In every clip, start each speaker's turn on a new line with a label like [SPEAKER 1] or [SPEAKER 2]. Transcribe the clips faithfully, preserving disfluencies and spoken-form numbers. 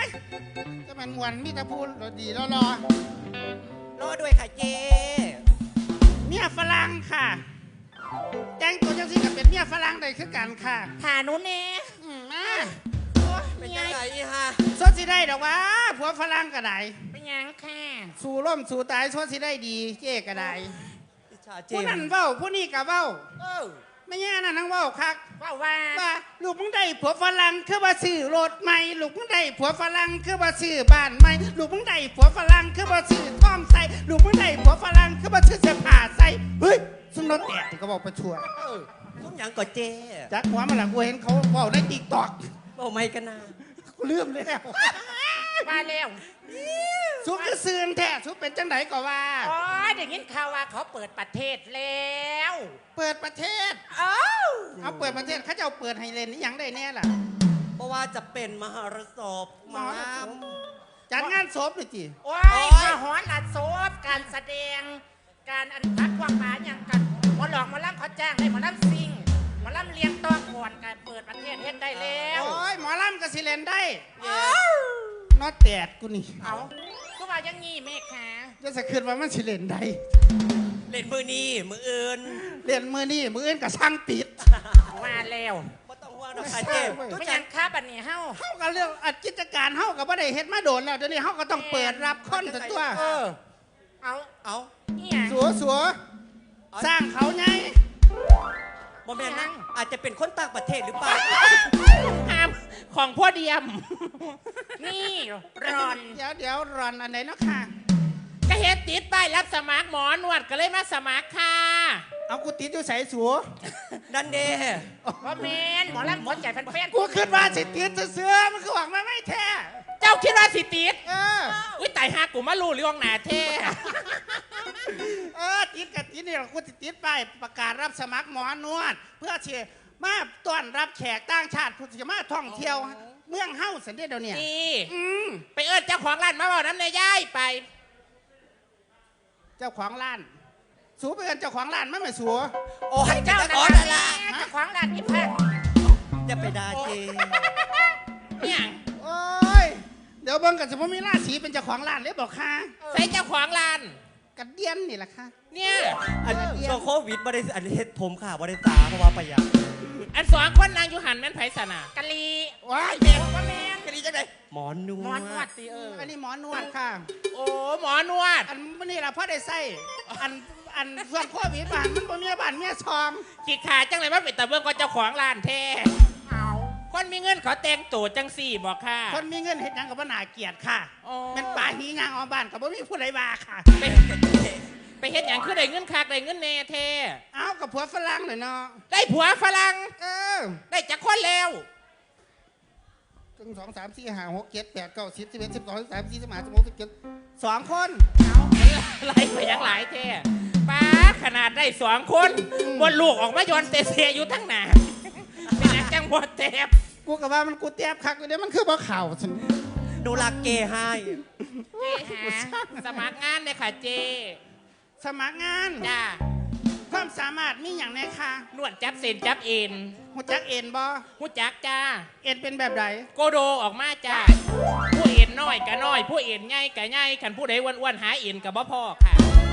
[SPEAKER 1] จะเป็นมวนมีแต่พูดดีรอรอ
[SPEAKER 2] รอด้วยค่ะเจ
[SPEAKER 1] เมียฝรั่งค่ะแจ้งตัวจังสิกับเป็นเมียฝรั่งได้คือกันค่ะ
[SPEAKER 3] หาหนูเน่
[SPEAKER 1] มา
[SPEAKER 2] เป็นยังไงฮะ
[SPEAKER 1] สดสิได้ดอกว่าผัวฝรั่งก็ได้
[SPEAKER 3] เป็นยังค่ะ
[SPEAKER 1] สู่ร่มสู่ตายสดสิได้ดีเจ๊ก็ได้ผู้นั้นเว้าผู้นี้ก็เว้าไม่แย่นะนั่งเว้าคัก
[SPEAKER 3] ว่าว่า
[SPEAKER 1] ว่าลูกมึงได้ผัวฝรั่งคือว่าซื้อรถใหม่ลูกมึงได้ผัวฝรั่งคือว่าซื้อบ้านใหม่ลูกมึงได้ผัวฝรั่งคือว่าซื้อท้องใส่ลูกมึงได้ผัวฝรั่งคือว่าซื้อเสื้อผ้าใส่เฮ้ยซุ่มรถแตกที่เขาบอกประชว
[SPEAKER 2] ซุ่มยังก่อเจ
[SPEAKER 1] จักหัวมันหลังกูเห็นเขาเว้าในติ๊กต็อก
[SPEAKER 2] เว้าไม่กันนะ
[SPEAKER 1] กูลืมแล้ว
[SPEAKER 3] มาแล้ว
[SPEAKER 1] ซุปจะซื้อแท้ซุปเป็นจังไหนก็ว่า
[SPEAKER 3] อ๋อเดี๋ยวนี้ข่าวว่าเขาเปิดประเทศแล้ว
[SPEAKER 1] เปิดประเทศ
[SPEAKER 3] เอ้า
[SPEAKER 1] เอาเปิดประเทศเขาจะเอาเปิดให้เล่นนี่ยังได้แน่ล่ะ
[SPEAKER 2] เพราะว่าจะเป็นมหรสพมา
[SPEAKER 1] จัดงานศพเลยจี
[SPEAKER 3] โอ้ยมหรสพการแสดงการอันพักความหมายอย่างกันหมอหลอกหมอลำเขาจ้างได้หมอลำซิงหมอลำเลี้ยงตัวก่อนการเปิดประเทศเฮ็ดได้แล้ว
[SPEAKER 1] โอ้ยหมอลำก็สิเล่นได้นอแตดกูนี่
[SPEAKER 3] เอาก็ว่ายังงี้แม่ค่ะ
[SPEAKER 1] จะสะคืนว่ามันสิเล่นได้
[SPEAKER 2] เล่นมือนี่มืออื่น
[SPEAKER 1] เล่นมือนี่มืออื่นก็ช่างปิด
[SPEAKER 3] มาแล้ว
[SPEAKER 2] ไม่ต้องห่วงนะค่ะเจ๊
[SPEAKER 3] ไม่ยังค้าบัดนี้เฮา
[SPEAKER 1] เฮากับเรื่องกิจการเฮากับว่าได้เฮ็ดมาโดนแล้วเดี๋ยวนี้เฮาก็ต้องเปิดรับคนตัว
[SPEAKER 3] เออเอา
[SPEAKER 2] เอา
[SPEAKER 1] สัวสัวสร้างเขาไง
[SPEAKER 2] โมเมนต์นั้นอาจจะเป็นคนต่างประเทศหรือเปล่า
[SPEAKER 3] ห้ามของพ่อเดียมนี่รอน
[SPEAKER 1] เดี๋ยวเดี๋ยวรอนอันไหนเนาะค่ะ
[SPEAKER 3] ก็เฮ็ดติดป้ายรับสมัครหมอนวดก็เลยมาสมัครค่ะ
[SPEAKER 1] เอากูติดอยู่ใส่สัว
[SPEAKER 2] ดันเด
[SPEAKER 3] ว่าเมนหมอลำหมดใจแฟน
[SPEAKER 1] ๆกูคิดว่าสิติดเสื้อมันคือหวังมาไม่แท้
[SPEAKER 3] เจ้าคิดว่าสิติด
[SPEAKER 1] เออ
[SPEAKER 3] อุ้ยตายหากูมาลู่เรื่องหนาแท้
[SPEAKER 1] เออติดกับติดนี่เรากูติดไปประกาศรับสมัครหมอนวดเพื่อเชียร์มาต้อนรับแขกต่างชาติผู้ที่มาท่องเที่ยวเมืองเฮ้าสันเดียเดี๋ยวนี้
[SPEAKER 3] ไปเอิ้นเจ้าของร้านมาบอกน้ำในย่ายไป
[SPEAKER 1] เจ้าของร้านสูไปเอิ้นเจ้าของร้านมาไม่สู
[SPEAKER 2] โอ้ย
[SPEAKER 3] เจ้า
[SPEAKER 2] ขอ
[SPEAKER 3] นั่นละเจ้าของร้านนี่พัก
[SPEAKER 2] อย่าไปด่าเจ
[SPEAKER 3] เนี่ย
[SPEAKER 1] โอ้ยเดี๋ยวเบิ่งกันสมมติมีราศีเป็นเจ้าของร้านเลยบอกค่ะ
[SPEAKER 3] ใส่เจ้าของร้าน
[SPEAKER 1] กระเดียนนี่แหละค่ะ
[SPEAKER 3] เนี่ย
[SPEAKER 2] อันช่วงโควิดบริษัทอันเฮ็ดผมค่ะบริษัทเพราะว่าประหยัด
[SPEAKER 3] อันสองคนนางอยู่หันแม่นไผ่สนากะลี
[SPEAKER 1] ว้าย
[SPEAKER 3] เด็กว่าแม่น
[SPEAKER 2] กะลีจังไดหมอนนวด
[SPEAKER 3] หมอนวดตีเออ
[SPEAKER 1] อันนี้หมอนวดค่ะ
[SPEAKER 3] โอ้หมอนวด
[SPEAKER 1] อันนี่เราพ่อได้ใส่อันอันส่วนโควิดบ้านมันบ่มีบ้านเมียซอง
[SPEAKER 3] ขี้ขาจังเลยว่าเป็นตะเบิ่งก็เจ้าของร้านแท้เอาคนมีเงินขอแต่งตัวจังสี่บอกค่ะ
[SPEAKER 1] คนมีเงินเฮ็ดหยังกับบ่น่าเกลียดค่ะเป็นป่าหีงางออกบ้านกับบ่มีผู้ใดว่าค่ะ
[SPEAKER 3] ไปเฮ็ดหยังคือได้เงินคักได้เงินแน่แท้
[SPEAKER 1] เอ้ากับผัวฝรั่งหน่อยเนาะ
[SPEAKER 3] ได้ผัวฝรั่ง
[SPEAKER 1] เออ
[SPEAKER 3] ได้จักคนแล้ว
[SPEAKER 1] ถึงสองสามสี่ห้าหกเจ็ดแปดเก้าสิบสิบเอ็ดสิบสองสิบสามสิบสี่สิบห้าสิบหกสิบเจ็ดสองคน
[SPEAKER 3] เอาไล่ไปยังหลายแท้ป้าขนาดได้สองคนบนลูกออกมาย้อนเตะเสียอยู่ทั้งหน้าเป็นนักจังบ่แทบ
[SPEAKER 1] กูกับว่ามันกูแทบคักอยู่เดี๋ยวมันคือบ่เข่าฉัน
[SPEAKER 2] ดูรักเกให้
[SPEAKER 3] เจหาสมัครงานเลยค่ะเจ
[SPEAKER 1] สมัครงาน
[SPEAKER 3] จ้า
[SPEAKER 1] ความสามารถมีอย่างไรคะ
[SPEAKER 3] นวดจับเส้นจับเอ็น
[SPEAKER 1] หูจักเอ็นบ่
[SPEAKER 3] หูจักจ้า
[SPEAKER 1] เอ็นเป็นแบบไหน
[SPEAKER 3] โกโดออกมาจ้าผู้เอ็นน้อยกับน้อยผู้เอ็นใหญ่กับใหญ่ขันผู้ใดอ้วนๆหาเอ็นกับบ่พ่อค่ะ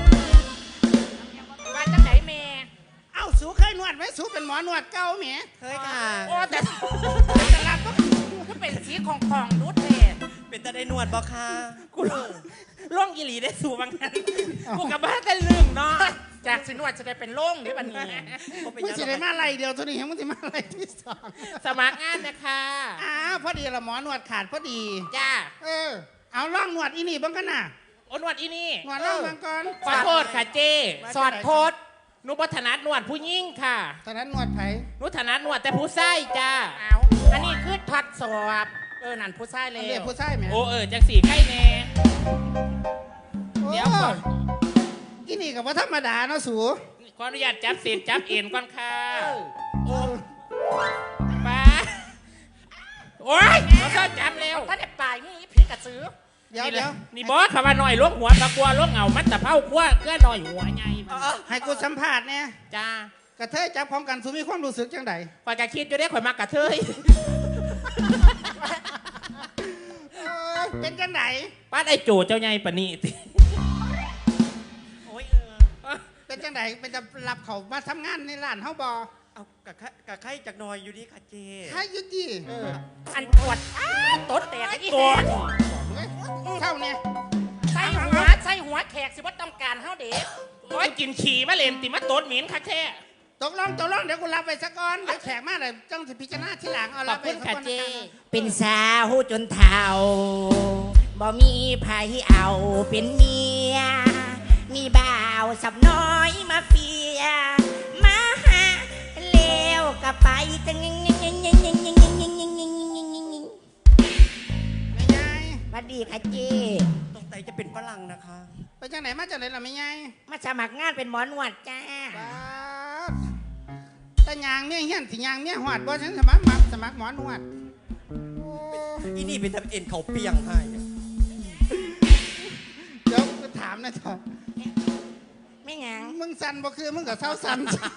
[SPEAKER 3] ว่าจังไหนแม่
[SPEAKER 1] เอ้าสูเคยนวดไหมสูเป็นหมอนวดเก่าแม่
[SPEAKER 2] เคยค่ะ
[SPEAKER 3] โอ้แต่แต่ละก็เป็นสีของของนุชเลย
[SPEAKER 2] เป็นแต่ได้นวดบ่ค่ะ
[SPEAKER 3] กูล่องยีหลีได้สูบางนั้นกูกับบ้านได้เรื่องเนาะจากสินวดจะได้เป็นล่องหรือบันนี้
[SPEAKER 1] มึงสิได้มาอะไรเดียวตัวนี้มึงสิมาอะไรที่สอง
[SPEAKER 3] สมัครงานนะคะ
[SPEAKER 1] อ้าวพอดีละหมอนวดขาดพอดี
[SPEAKER 3] จ้า
[SPEAKER 1] เออเอาล่องนวดอีนี่บ้างกันน่ะ
[SPEAKER 3] โอ้นวดอีนี่
[SPEAKER 1] นวดล่องบางก่อน
[SPEAKER 3] ขอโทษค่ะเจสอดโทษนุบัฒนัดนวดผู้ยิ่งค่ะ
[SPEAKER 1] ถนัดนวดไผ่
[SPEAKER 3] นุถนัดนวดแต่ผู้ไส้จ้าเอาอันนี้คือทดสอบเออนั่นผู้ไส้เลย
[SPEAKER 1] เรียกผู้ไส้ไหม
[SPEAKER 3] โอ้เออจังสี่ไข่แน่
[SPEAKER 1] เดี๋ยวก่อนอีนี่กับว่าธรรมดาเนาะสู
[SPEAKER 3] ขออนุญาตจับเศษจับเอ็นก่อนค่ะโอ้ป้าโอ้ยเราเข้าจับแล้ว
[SPEAKER 1] ถ้า
[SPEAKER 3] ได้
[SPEAKER 1] ปลายนี่ผีกระสือเดี๋ยวเดี๋ยว
[SPEAKER 3] นี่บอสขับมาหน่อยล้วงหัวตะกัวล้วงเงามัดตะเผาขั้วเกลือหน่อยหัวไง
[SPEAKER 1] ให้กูสัมผัสเนี่ย
[SPEAKER 3] จ้าก
[SPEAKER 1] ระเทยจับพร้อมกันสูมีความรู้สึกจังได
[SPEAKER 3] ข่อยกะคิดอยู่ได้ข่อยมากระเทย
[SPEAKER 1] เอ้ยเป็นจังไหน
[SPEAKER 4] ป้าไอ้โจเจ้าใหญ่ปะนี่ติ
[SPEAKER 2] โอ้ยเออ
[SPEAKER 1] เป็นจังไหนเป็นจะรับเขามาทำงานในร้านเฮาบ่
[SPEAKER 2] เอากะไข่กะไข่จากหนอยอยู่ดีค่ะเจ
[SPEAKER 1] ใช่อยุติ
[SPEAKER 4] เออ
[SPEAKER 3] อันปวดอ้าตดแตกอี
[SPEAKER 4] ตัว
[SPEAKER 3] แหก
[SPEAKER 1] เท่าเนี่ย
[SPEAKER 3] ใส่หัวใส่หัวแขกสิว่าต้องการเฮาเด็ก
[SPEAKER 4] โอ้ยกินขี่มาเล่นติมาโตดหมินคักแท้
[SPEAKER 1] ตกลงตกลงเดี๋ยวกูรับไปสักก่อนเดี๋ยวแขกมาเลยจ้องสิพิจารณาทีหลังเอา
[SPEAKER 4] ข
[SPEAKER 1] รั
[SPEAKER 4] อ
[SPEAKER 1] บบ ไป
[SPEAKER 4] คุณ
[SPEAKER 1] สัก
[SPEAKER 4] ค่ะ
[SPEAKER 1] ก่อน
[SPEAKER 4] เจ
[SPEAKER 1] นะคะ
[SPEAKER 3] เป็นสาวจนเฒ่าบ่มีไผเอาเป็นเมีย มีบ่าวสับน้อยมาเฟีย มาหาเลวก็ไปจังยิงยิงยิงยิงยิงยิงยิงยิงยิงยิงยิงยิงยิงยิง
[SPEAKER 1] ไม่ยาย
[SPEAKER 3] สวัสดีค่ะเจ
[SPEAKER 2] ตรงใจจะเป็นฝรั่งนะคะ
[SPEAKER 1] ไปจังไหนมาจังไหนล่ะไม่ยาย
[SPEAKER 3] มาสมัครงานเป็นหมอนวดจ้า
[SPEAKER 1] ป๊าดแต่ยางเนี่ยเฮี้ยนสิยางเนี่ยหอดบ่ฉันสมัครมาสมัครหมอนวดโอ้
[SPEAKER 2] อีนี่เป็นทำเอ็นเขาเปียงให้
[SPEAKER 1] เดี๋ยวกูถามหนะเถอะ
[SPEAKER 3] ไม่หยัง
[SPEAKER 1] มึงสันบ่คือมึงกับเศร้าสัน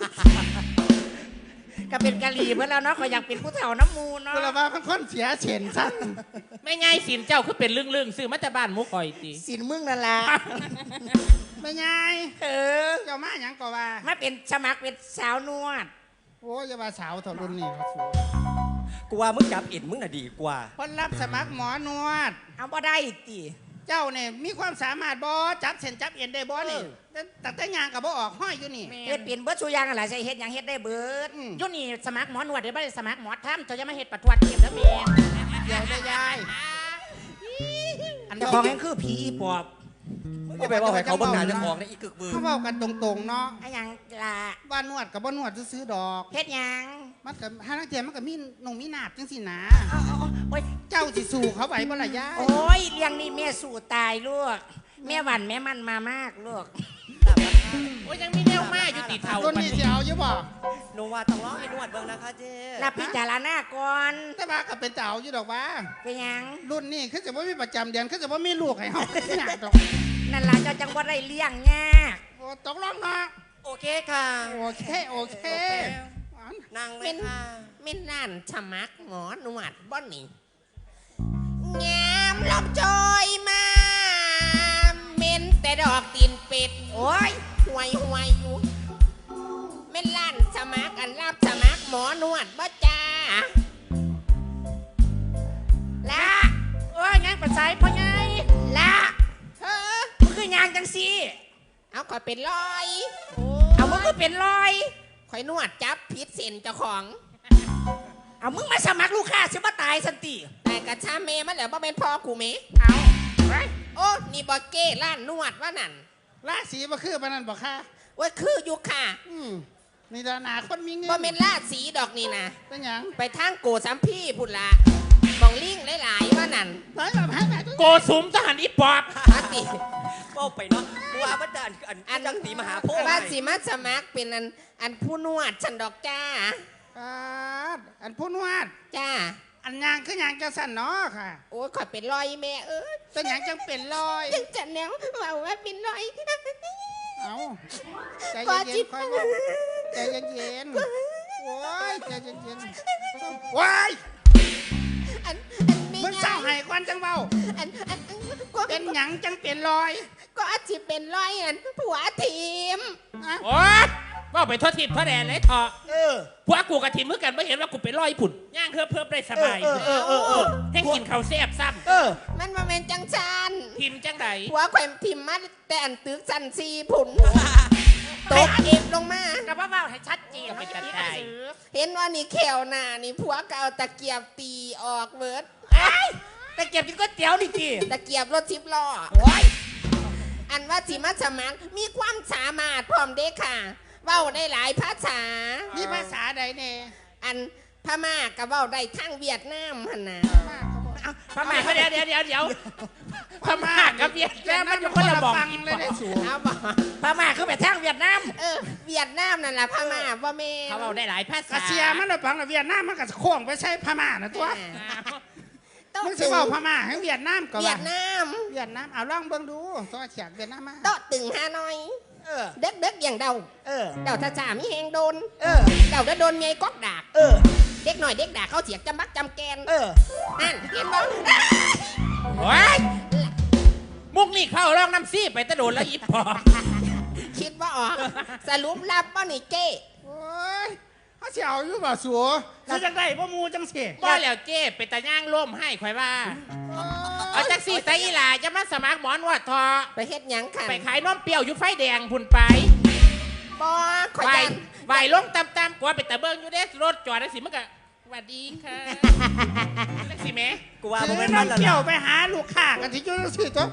[SPEAKER 3] ก็เป็นกะหรี่เพื่อนแล้วเนาะก็อยากเป็นผู้เฒ่าน้ำมูเนาะ
[SPEAKER 1] กูละว่าเป็นคนเสียเฉนสัน
[SPEAKER 4] ไม่ง่ายสินเจ้าคือเป็นเรื่องๆซื้อมาแต่บ้านหมุกคอยติ
[SPEAKER 3] สินมึงนั่นแหละ
[SPEAKER 1] ไม่ยาย
[SPEAKER 3] เออ
[SPEAKER 1] เจ้ามาหยังก็ว่า
[SPEAKER 3] มาเป็นสมัครเป็นสาวนวด
[SPEAKER 1] โอ้ยอย่าว่าสาวเถอะรุ่นนี้เขาสู
[SPEAKER 2] กูว่ามึงจับเอ็นมึงน่ะดีกว่า
[SPEAKER 1] คนรับสมัครหมอนวด
[SPEAKER 3] เอาบ่ได้ติ
[SPEAKER 1] เจ้าเนี่ยมีความสามารถบ่จับเส้นจับเอ็นได้บ่นี่แต่แต่แต่ยางกับบ่ออกห้อยอยู่นี่
[SPEAKER 3] เฮ็ดเปลี่ยนเบิดสุอยางอะไรใช่เฮ็ดหยังเฮ็ดได้เบิด
[SPEAKER 1] อืม
[SPEAKER 3] อยุ่นี่สมัครหมอนวดเดี๋ยวบ่ได้สมัครหมอทำเจ้าจะมาเฮ็ดประทวดเทียมแล้วแม่
[SPEAKER 1] เดี๋ยวได้ยายอัน
[SPEAKER 3] เจ้า
[SPEAKER 1] บ
[SPEAKER 3] ข
[SPEAKER 1] อ
[SPEAKER 3] อก งแห่งคือผีปอบ
[SPEAKER 2] มึงจะไปว่าให้เขาบังงานเจะของในอีกึกมือ
[SPEAKER 1] เขาบอกกันตรงๆเนาะ
[SPEAKER 3] ไอ้หยังล่ะ
[SPEAKER 1] ว่านวดกับบ่นวดซื้อๆดอก
[SPEAKER 3] เฮ็ดหยัง
[SPEAKER 1] มันกับห้านักเทียมมันกับมีนงมีนาบจังสินะ
[SPEAKER 3] เอาเอาเอาโอ้ย
[SPEAKER 1] เจ้าสิสู่เขาไหวบ่ล่ะยาย
[SPEAKER 3] โอ้ยเลี้ยงนี่แม่สู่ตายลูกแม่หวันแม่มันมามากลูก
[SPEAKER 4] โอ้ยยังมีแนวมาอยู่ติเท่า
[SPEAKER 1] รุ่น
[SPEAKER 4] ปะ
[SPEAKER 1] นี้
[SPEAKER 4] นี่
[SPEAKER 1] สิเอาอยู่บ่
[SPEAKER 2] โนวาต้องร้องให้นวดเบิ่งนะคะเจ
[SPEAKER 3] รับพิจารณาก่อน
[SPEAKER 1] แต่ว่าก็เป็นเจ้าอยู่ดอกว่า
[SPEAKER 3] เป็นหยัง
[SPEAKER 1] รุ่นนี้คือจะบ่มีประจำเดือนคือจะบ่มีลูกให้เฮาอยากดอก
[SPEAKER 3] นั่นล่ะเจ้าจังบ่ได้เลี้ยงยาก
[SPEAKER 1] โอ้ตกลงเนาะ
[SPEAKER 2] โอเคค่ะ
[SPEAKER 1] โอเคโอเค
[SPEAKER 2] นั่งเลยค่ะ
[SPEAKER 3] มินนั่นสมัครหมอนวดบ่นี่งามลมโชยมาเม็นแต่ดอกตีนเป็ด โอ้ยห่วยห่วยอยู่เม็นลั่นสมัครอันรับสมัครหมอนวดบ่จ้าละโอ้ยงานประสายพ่อไงละเฮ้อมึงคือยางจังสิเอาข่อยเป็นรอย เอามึงก็เป็นรอยข่อยนวดจับพิษเส้นเจ้าของ เอามึงมาสมัครลูกค้าสิมาตายสันติแต่กระชาเมมาแล้วบ่เป็นพ่อกูเมเอาโอ้นี่บอเก้ร้านนวดว่านั่น
[SPEAKER 1] ราศีบ่คือปานนั้นบ่ค่ะ
[SPEAKER 3] ว่าคืออยู่ค่ะ
[SPEAKER 1] อืมนี่ดานาคนมีเงิน
[SPEAKER 3] บ่เป็นราสีดอกนี่นะ
[SPEAKER 1] เป็นหยัง
[SPEAKER 3] ไปทางโกสัมพี่พุ่นละบองลิงหลายๆว่านั่น
[SPEAKER 1] ไหนแบบให้แบบ
[SPEAKER 4] โกสุมทหารอีปอบ
[SPEAKER 3] อาติ
[SPEAKER 2] ก็ไปเนาะกูว่ามันจะอันอันอันจังสีมหาโพธิ์
[SPEAKER 3] ว่าสิมาสมัครเป็นอันอันผู้นวดฉันดอกจ้า
[SPEAKER 1] อ่าอันผู้นวด
[SPEAKER 3] จ้า
[SPEAKER 1] อันยางคือยางจะสั่นเนาะค่ะ
[SPEAKER 3] โอ้ยข่อยเป็นรอยแม่เอ้ย
[SPEAKER 1] เป็นหยังจังเป็นรอย
[SPEAKER 3] จังจันแนวว่าว่าเป็นรอย
[SPEAKER 1] เอาใจ
[SPEAKER 3] ก็
[SPEAKER 1] เย็
[SPEAKER 3] จิ
[SPEAKER 1] น
[SPEAKER 3] บ
[SPEAKER 1] ๆค่อยว่าใจเย็นๆโอ้ยใจเย็นๆว้าย
[SPEAKER 3] อันอันไม่
[SPEAKER 1] มึงเศร้าให้ควันจังเบา
[SPEAKER 3] อันอันก็
[SPEAKER 1] เป็นหยังจังเป็นรอย
[SPEAKER 3] ก็อาจจะเป็นรอยอันผัวทีม
[SPEAKER 1] อะ
[SPEAKER 4] โอ้ยว่าไปทอดทิพย์ทอดแดนเลยเถอะ
[SPEAKER 3] เออ
[SPEAKER 4] พวกกูกับทีมเมื่อกันไม่เห็นว่ากูเป็นร้อยผุ่นย่างเพิ่มเพิ่มได้สบาย
[SPEAKER 3] เออเออเออเออ
[SPEAKER 4] ให้กินข้าวแซ่บซ้
[SPEAKER 3] เออ มันมาเป็นจังชัน
[SPEAKER 4] ำทีมจังได
[SPEAKER 3] ผัวแขวมทิมมาแต่อันตึกสันซีผุนตกเอฟลงมา
[SPEAKER 4] ก็ว่าว่าให้ชัดเจนไม่จัดได้
[SPEAKER 3] เห็นว่านี่แขวหน้านี่ผัวก็เอาตะเกียบตีออกเบิด
[SPEAKER 4] แต่เก็บกินก๋วยเตี๋ยวนี่จี
[SPEAKER 3] ตะเกียบรถทิพล้อ
[SPEAKER 4] โอ้ย
[SPEAKER 3] อันว่าสิมาสมัครมีความสามารถพร้อมเด็กค่ะ เว้าได้หลายภาษา
[SPEAKER 1] นี่ภาษาใดเนี่ย
[SPEAKER 3] อันพม่าก็เว้าได้ทั้งเวียดนามหั่นน่ะ
[SPEAKER 4] พม่าเดี๋ยวเดี๋ยวเดี๋ยวเดี๋ยวพม่ากับเวียดนามมันอยู่คนละบอก
[SPEAKER 1] ฟัง
[SPEAKER 4] กิน
[SPEAKER 1] เลยได้สูง
[SPEAKER 3] เอาบ่
[SPEAKER 4] พม่าคือไปทางเวียดนาม
[SPEAKER 3] เออเวียดนามนั่นแหละพม่าบ่แม่น
[SPEAKER 4] เขาเอาได้หลายภาษา
[SPEAKER 1] รัสเซียมันเราฟังแล้วเวียดนามมันก็โค้งไปใช้พม่านะตัว
[SPEAKER 3] โต๊ะ
[SPEAKER 1] มึงสิเว้าพม่าให้เวียดนามก็
[SPEAKER 3] เวี
[SPEAKER 1] ว่าย
[SPEAKER 3] ดนาม
[SPEAKER 1] เวียดนามเอาลองเบิ่งดูตัวเฉียดเวียดนามมา
[SPEAKER 3] โต๊ะตึงฮานอย
[SPEAKER 4] เออ
[SPEAKER 3] เด็กเด็กๆอย่างเดา
[SPEAKER 4] เออ
[SPEAKER 3] เดาท่าจ่ามีแหงโดน
[SPEAKER 4] เออ
[SPEAKER 3] เดาแล้วโดนไงก๊อกดาก
[SPEAKER 4] เออ
[SPEAKER 3] เด็กหน่อยเด็กด่าเขาเสียกจำบักจำแกน
[SPEAKER 4] เออ
[SPEAKER 3] นั่นเห็นบ่
[SPEAKER 4] โอ้ยำซี่ไปตะโดนแล้วอีปอบ
[SPEAKER 3] คิดว่าออกสรุปรับบ่นี่เจ้
[SPEAKER 1] โอ้ยเขาสิเอาอยู่บ่สัวสิจังได๋บ่หมู่จังสิ
[SPEAKER 4] บ่แล้วเจ้เป็นตาย่างล่มให้ข่อยว่าเอาจักซี่ไตอีหลาจะมาสมัครหมอนวดทอ
[SPEAKER 3] ไปเฮ็ดหยังค่ะ
[SPEAKER 4] ไปขายนมเปรี้ยวอยู่ไฟแดงพุ่นไป
[SPEAKER 3] บ่ขอย
[SPEAKER 4] ไหว
[SPEAKER 3] ยัน
[SPEAKER 4] ไหวลงตำๆกว่าไปตะเบิงอยู่เด้รถจอดได้สิมันก็สวัสดีค่ะจักสิแม่
[SPEAKER 2] กูว่า
[SPEAKER 1] ซื้
[SPEAKER 2] บ่
[SPEAKER 1] อ
[SPEAKER 2] แม่นมัน
[SPEAKER 1] น้ำ
[SPEAKER 2] แล้ว
[SPEAKER 1] เกี่ยว
[SPEAKER 2] ล่ะ
[SPEAKER 1] ไปหาลูกค้ากันที่อยู่จังซี่ตัว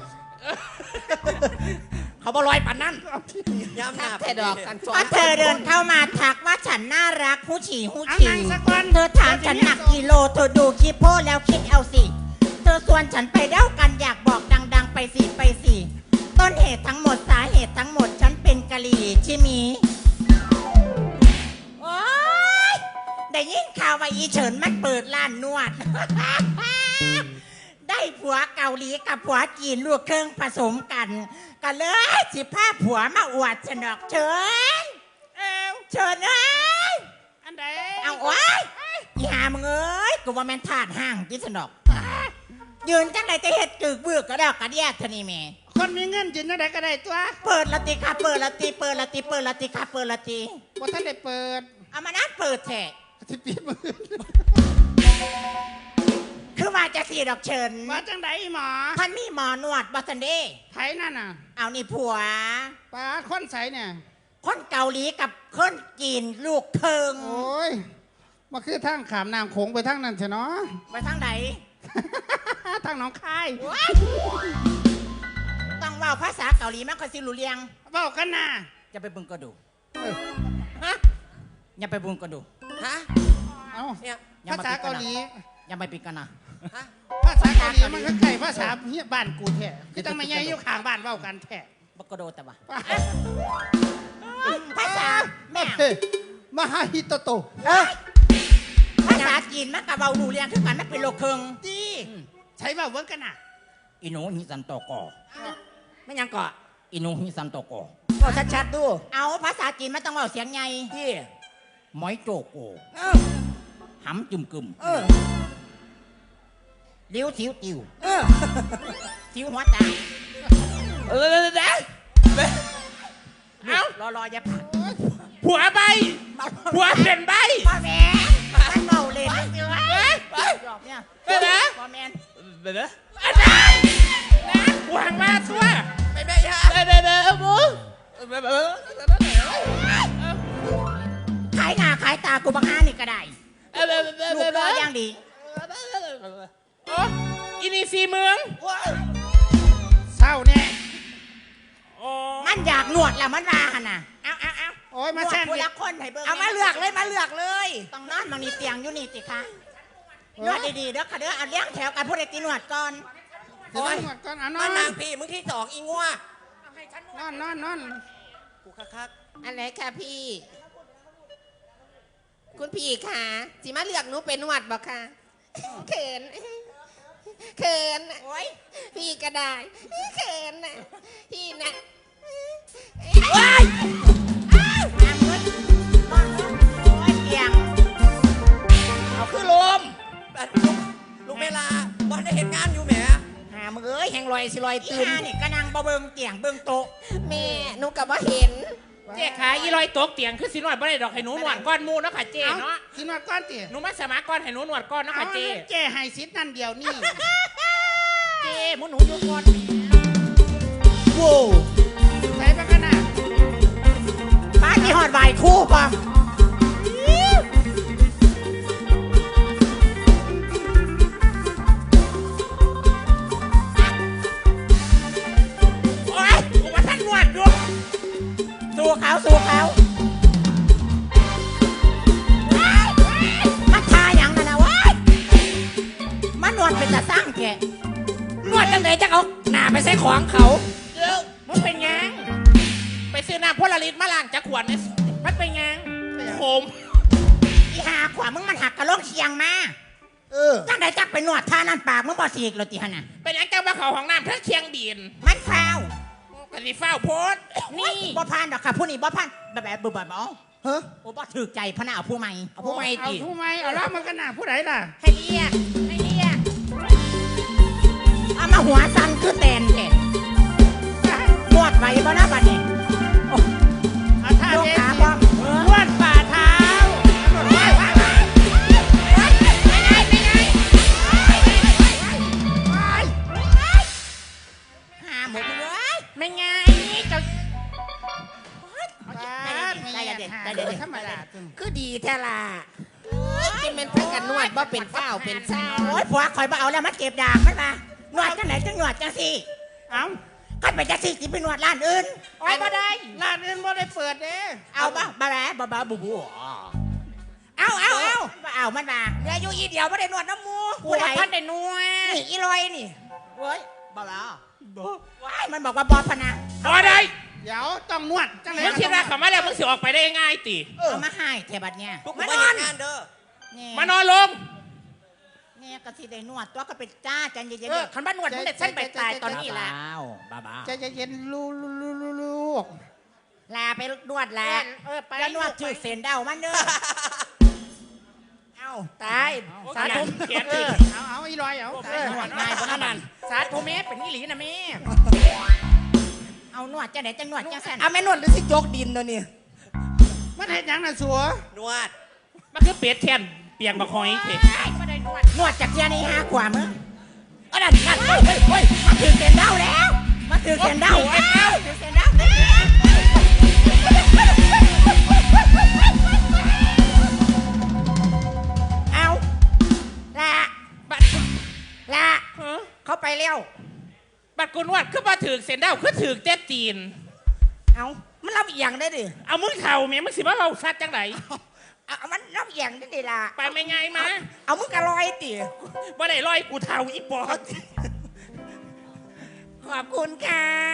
[SPEAKER 4] เขาบ่ลอยปานนั้น
[SPEAKER 2] ย้ำหน้า
[SPEAKER 3] แค่ดอกกันสอ
[SPEAKER 5] พอน เธอเดินเข้ามาทักว่าฉันน่ารักผู้ฉี่ผู้
[SPEAKER 1] เอา
[SPEAKER 5] ฉี่
[SPEAKER 1] นั่งสักวัน
[SPEAKER 5] เธอถามฉันหนักกิโลเธอดูคลิปโพสแล้วคิดเอาสิ เธอชวนฉันไปเด้ากันอยากบอกดัง ๆ ไปสิไปสิต้นเหตุทั้งหมดสาเหตุทั้งหมดฉันเป็นกะหรี่ใช่มีโอ๊ยได้ยินข่าวว่าอีเฉินมันเปิดร้านนวด ได้ผัวเกาหลีกับผัวจีนลูกเครื่องผสมกันก็เลยสิพาผัวมาอวดฉันดอกเฉิน
[SPEAKER 1] เอ้า
[SPEAKER 5] เฉินเอ้ย
[SPEAKER 1] อันใด
[SPEAKER 5] เอาโอ๊ยอีหามึงเอ้ยกูว่าแม่นถาดห้างที่สนอกยืนจังไหนจะเฮ็ดกึกเบือกกระดอกกระเดียดเท่านี้แม่
[SPEAKER 1] คนมีเงินยืนจังไดก็ได้ตัว
[SPEAKER 5] เปิดละติค่ะเปิดละติเปิดละติเปิดละติค่ะเปิดละติ
[SPEAKER 1] บ่ทันได้เปิด
[SPEAKER 5] เอามานัดเปิดแท้
[SPEAKER 1] สิปิดมือ
[SPEAKER 5] คือว่าจะสีดอกเชิญ
[SPEAKER 1] ว่าจังไดหมอ
[SPEAKER 5] ท่านมีหมอนวดบอสันเด
[SPEAKER 1] ไผนั่นน่ะ
[SPEAKER 5] เอานี่ผัว
[SPEAKER 1] ปลาคนใสเนี่ย
[SPEAKER 5] คนเกาหลีกับคนจีนลูกเคิง
[SPEAKER 1] โอ้ยมาคือทางขามน้ำโขงไปทางนั้นใช่เนาะ
[SPEAKER 5] ไปทางไหน
[SPEAKER 1] ทางหนองคาย
[SPEAKER 5] ต้องเว่าภาษาเกาหลีมันก็สิรู้เรียง
[SPEAKER 1] เว้ากันน่ะ
[SPEAKER 5] อย่าไปเบึงก็ดู
[SPEAKER 1] เออ
[SPEAKER 5] ฮะอย่าไปเบึงก็ดู
[SPEAKER 3] ฮะ
[SPEAKER 1] เอา
[SPEAKER 3] เนี่ย
[SPEAKER 5] อย่า
[SPEAKER 1] ภา
[SPEAKER 5] มา
[SPEAKER 1] ษา
[SPEAKER 5] ปิดกันนะ
[SPEAKER 1] เกาหลี
[SPEAKER 5] อย่าไปปิดกันนะ
[SPEAKER 3] ฮะ
[SPEAKER 1] ภาษาเกาหลีมันก็ใกล้ภาษาเฮียบ้านกูแท้คือตั้งไม่ใหญ่อยู่ข้างบ้านเว้ากันแท้
[SPEAKER 5] บักกะโดแต่ว่า
[SPEAKER 1] ป้า
[SPEAKER 5] ภาษาแม่
[SPEAKER 1] เฮ้ยมหาฮิโตโต
[SPEAKER 5] เออภาษาจีนมันกับเบาดูเรียงคือกันมันเป็นโลกเคิง
[SPEAKER 1] ดีใช้เว้าเวิร์กกันน่ะ
[SPEAKER 5] อิโนฮิซันโตโก
[SPEAKER 3] ไม่ยังเกาะ
[SPEAKER 5] อิโนฮิซันโตโก
[SPEAKER 3] ก็ชัดๆดู
[SPEAKER 5] เอาภาษาจีนมันต้องเบาเสียงไง
[SPEAKER 3] ที่
[SPEAKER 5] หมอยโจโก
[SPEAKER 3] เออ
[SPEAKER 5] หำจุ่มกึม
[SPEAKER 3] เออ
[SPEAKER 5] ลิ้วสิวติว
[SPEAKER 3] เออ
[SPEAKER 5] สิวหัวตา
[SPEAKER 3] เออเด้
[SPEAKER 4] เอ้า
[SPEAKER 5] รอรออย่าผัก
[SPEAKER 4] ผัวใบผัวเป็นใบ
[SPEAKER 5] พ่อแม่มันเบาเล่นเสือหยอกเนี่ย
[SPEAKER 4] เด้อนะ
[SPEAKER 5] พ่อแม่
[SPEAKER 2] เด้อ
[SPEAKER 4] อันนั้นนะผัวหังมาซัว
[SPEAKER 3] ไม่ไม่ฮะ
[SPEAKER 4] เด้อเด้อเด้อบู
[SPEAKER 5] ขายหน้าขายตากูบังอานี่ก็ได้
[SPEAKER 4] เด้อเด้อเด้อ
[SPEAKER 5] ลูกร
[SPEAKER 4] เด้
[SPEAKER 5] อ
[SPEAKER 4] อ
[SPEAKER 5] อย่างดี
[SPEAKER 4] โอ้อินีซีเมือง
[SPEAKER 1] เศร้าแน่
[SPEAKER 4] โอ้
[SPEAKER 5] มันอยากหนวดแล้วมันว่าหันน่ะเอาเอาเอา
[SPEAKER 1] โอ้ยมาแซง
[SPEAKER 5] หนวดคนละคนให้เบิ่ง
[SPEAKER 3] เอามาเลือกเลยมาเลือกเลย
[SPEAKER 5] ต้องนอนบางนี่เตียงอยู่นี่สิคะนวดดีๆเด้อค่ะเด้อเอาเลี้ยงแถวกันพูดไอ้ตีหนวดก่อน
[SPEAKER 1] เดี๋ยวหมดก่อนเอานอ
[SPEAKER 3] มาน นางพี่มึงที่สองอีงัวน
[SPEAKER 1] อนนอนนอน
[SPEAKER 2] กูคัก
[SPEAKER 3] อะไรค่ะพี่ คุณพี่ค่ะสิมาเลือกหนูเป็นหวัดบอกค่ะเขินเขิน
[SPEAKER 5] โอ้ย
[SPEAKER 3] พี่ก็ได้เขินนะพี่นะ
[SPEAKER 5] ว้ายน้ำเงินก้อนเงินโอ้ยเตียง
[SPEAKER 3] เอาคือลม
[SPEAKER 2] ๆแบบลูกลูกเวลาบอลได้เห็นงานอยู่แหม
[SPEAKER 5] หามึงเอ้ย
[SPEAKER 3] แหงลอยสิลอย
[SPEAKER 5] อี
[SPEAKER 3] ตื่น
[SPEAKER 5] ห่านี่กระนังบ่เบิงเตียงเบิงโต๊ะ
[SPEAKER 3] แม่หนูกับว่าเห็น
[SPEAKER 4] เจ๊ขายอีลอยตกเตียงคือสิหน่อยบ่ได้ดอกให้หนูหนวดก้อนหมูเนาะค่ะเจ๊
[SPEAKER 1] เอา
[SPEAKER 4] เนาะ
[SPEAKER 1] สินวดก้อนติ
[SPEAKER 4] หนูมาสมัครก้อนให้หนูหนวดก้อนเนาะ
[SPEAKER 1] เอา
[SPEAKER 4] ค่ะเจ๊
[SPEAKER 1] เจ้ให้สิทธิ์นั่นเดียวนี่
[SPEAKER 5] เจ้หมูหนูอยู่ก่อน
[SPEAKER 1] โว้ใส่ไปกันน่ะ
[SPEAKER 5] บ้านมีหอดวายคู่ป่ะโอ้ยกูมาท่านหนวดดูสู้เขาสู้เขาว้ายมันทาอย่างนั้นนะว้ายมันนวดเป็นตาสร้างแก
[SPEAKER 3] นวดจังไหนจะเอาหน้าไปใส่ของเขา
[SPEAKER 4] เดี๋ยวมันเป็นหยังไปซื้อน้ำพลลิตมาล้างจากขวดเนี่ยมันเป็นหยังขม
[SPEAKER 5] อีหาขวามึงมันหักกระโหลกเชียงมา
[SPEAKER 1] เออ
[SPEAKER 5] จังใดจักไปนวดท่านั่นปากมึงบ่สีกโรติฮะน่ะ
[SPEAKER 4] เป็นหยังจังมาเขาของน้ำเพื่อเคียงบีน
[SPEAKER 5] มันฟาว
[SPEAKER 4] กะสิฟ้าวโพสต์นี่
[SPEAKER 5] บ่พานดอกค่ะผู้นี้บ่พานแบบแบบบึบแบบอ๋อ
[SPEAKER 1] เฮ้ย
[SPEAKER 5] โอ้บ่ถือใจพะนะเอาผู้ใหม่
[SPEAKER 3] เอาผู้ไม่
[SPEAKER 1] เอา
[SPEAKER 3] ติ
[SPEAKER 1] ผู้ไม่เอาแล้วมันกันน่ะผู้ใดล่ะ
[SPEAKER 5] ให้เรียกให้เรียกเอามาหัวสั่นคือแตนแท้
[SPEAKER 1] ได้
[SPEAKER 3] ดีแท้ล่ะกินเป็นพักกันนวดบ่เป็นเฝ้าเป็นเศร้า
[SPEAKER 5] โอ้ยผัวคอยมาเอาแล้วมาเก็บดากมันมานวดจังไหนจังหนวดจังสิ
[SPEAKER 1] เอ้า
[SPEAKER 5] คันไปจังสิสิไปนวดร้านอื่น
[SPEAKER 3] โอ้ยบ่ได้
[SPEAKER 1] ร้านอื่นบ่ได้เปิดเด้
[SPEAKER 5] เอาบ้าบ้าแบ้าบ้าบูบูเอาเอาเอาเอามันมา
[SPEAKER 3] เหลืออยู่อีเดียวบ่ได้นวดน้ำมู
[SPEAKER 5] ผู้
[SPEAKER 3] ผู้
[SPEAKER 5] ใด
[SPEAKER 3] ใดท่านได้นวดนี่อีลอยนี่
[SPEAKER 5] โอ้ยบ้าบ้าว้ายมันบอกว่าบอพนะ
[SPEAKER 4] บ่ได้
[SPEAKER 1] เดี๋ยวต้องนวดจังไหน
[SPEAKER 4] มึงคิดว่าเขามาแล้วมึงสิออกไปได้ง่ายติ
[SPEAKER 5] เอามาให้เทบัดเนี่ย
[SPEAKER 2] พวกกู
[SPEAKER 5] มา
[SPEAKER 2] ไม่
[SPEAKER 5] นอ
[SPEAKER 2] เห็
[SPEAKER 5] น
[SPEAKER 2] นงานเด้อ
[SPEAKER 5] เนี่ย
[SPEAKER 4] มานอนลง
[SPEAKER 5] เนี่ยก็สิได้นวดตัวก็เป็นจ้าจันเย็น
[SPEAKER 3] เออคันบ้านนวดมึงได้ฉันไปตายตอนนี้ล่ะ
[SPEAKER 5] บ้าบ้า
[SPEAKER 1] ใจเย็นๆลูลูลูลูลูก
[SPEAKER 5] ลาไปนวดลา
[SPEAKER 3] เออไป
[SPEAKER 5] แล้วนวดถือเส้นเดามันเด้อเอา
[SPEAKER 3] ตายสาธุ
[SPEAKER 4] เขียนดิ
[SPEAKER 1] เอาเอาอีลอยเอา
[SPEAKER 3] เออนวดง่ายบ่นั่นสาธุแม่เป็นอีหลีนะแม่
[SPEAKER 5] เอานวดจังไหนจังนวดจังสั่น
[SPEAKER 3] เอาแม่นวดหรือสิจกดินเนาะนี่
[SPEAKER 1] มันเฮ็ดหยังน่ะสัวน
[SPEAKER 2] วด
[SPEAKER 4] มันคือเป็ดแทนเปียงบักหอยเถ
[SPEAKER 3] บ่ได้นวด
[SPEAKER 5] นวดจากเทียนี่ห้ากว่ามึงเอาดันนั่นเฮ้ยเฮ้ยเฮ้ยมาถือเส้นเดาแล้วมาถือเส้นเดาแล้วถือเส้นเดาเอาละ
[SPEAKER 4] บัด
[SPEAKER 5] ละ
[SPEAKER 4] เฮ้อ
[SPEAKER 5] เขาไปเร็ว
[SPEAKER 4] บัดกูนวดคือมาถือเส้นเด้าคือถือเต้ตีน
[SPEAKER 5] เอามันรับอีกอย่างได้ดิ
[SPEAKER 4] เอามึงเข่าเมียมึงสิมาเอาซัดจังไหน
[SPEAKER 5] เอาเอามันรับอีกอย่างได้ดิล่ะ
[SPEAKER 4] ไปไม่ไงมา
[SPEAKER 5] เอามึงกระลอยติ
[SPEAKER 4] บ่ได้ลอยกูเท่าอีปอด
[SPEAKER 5] ขอบคุณค่ะ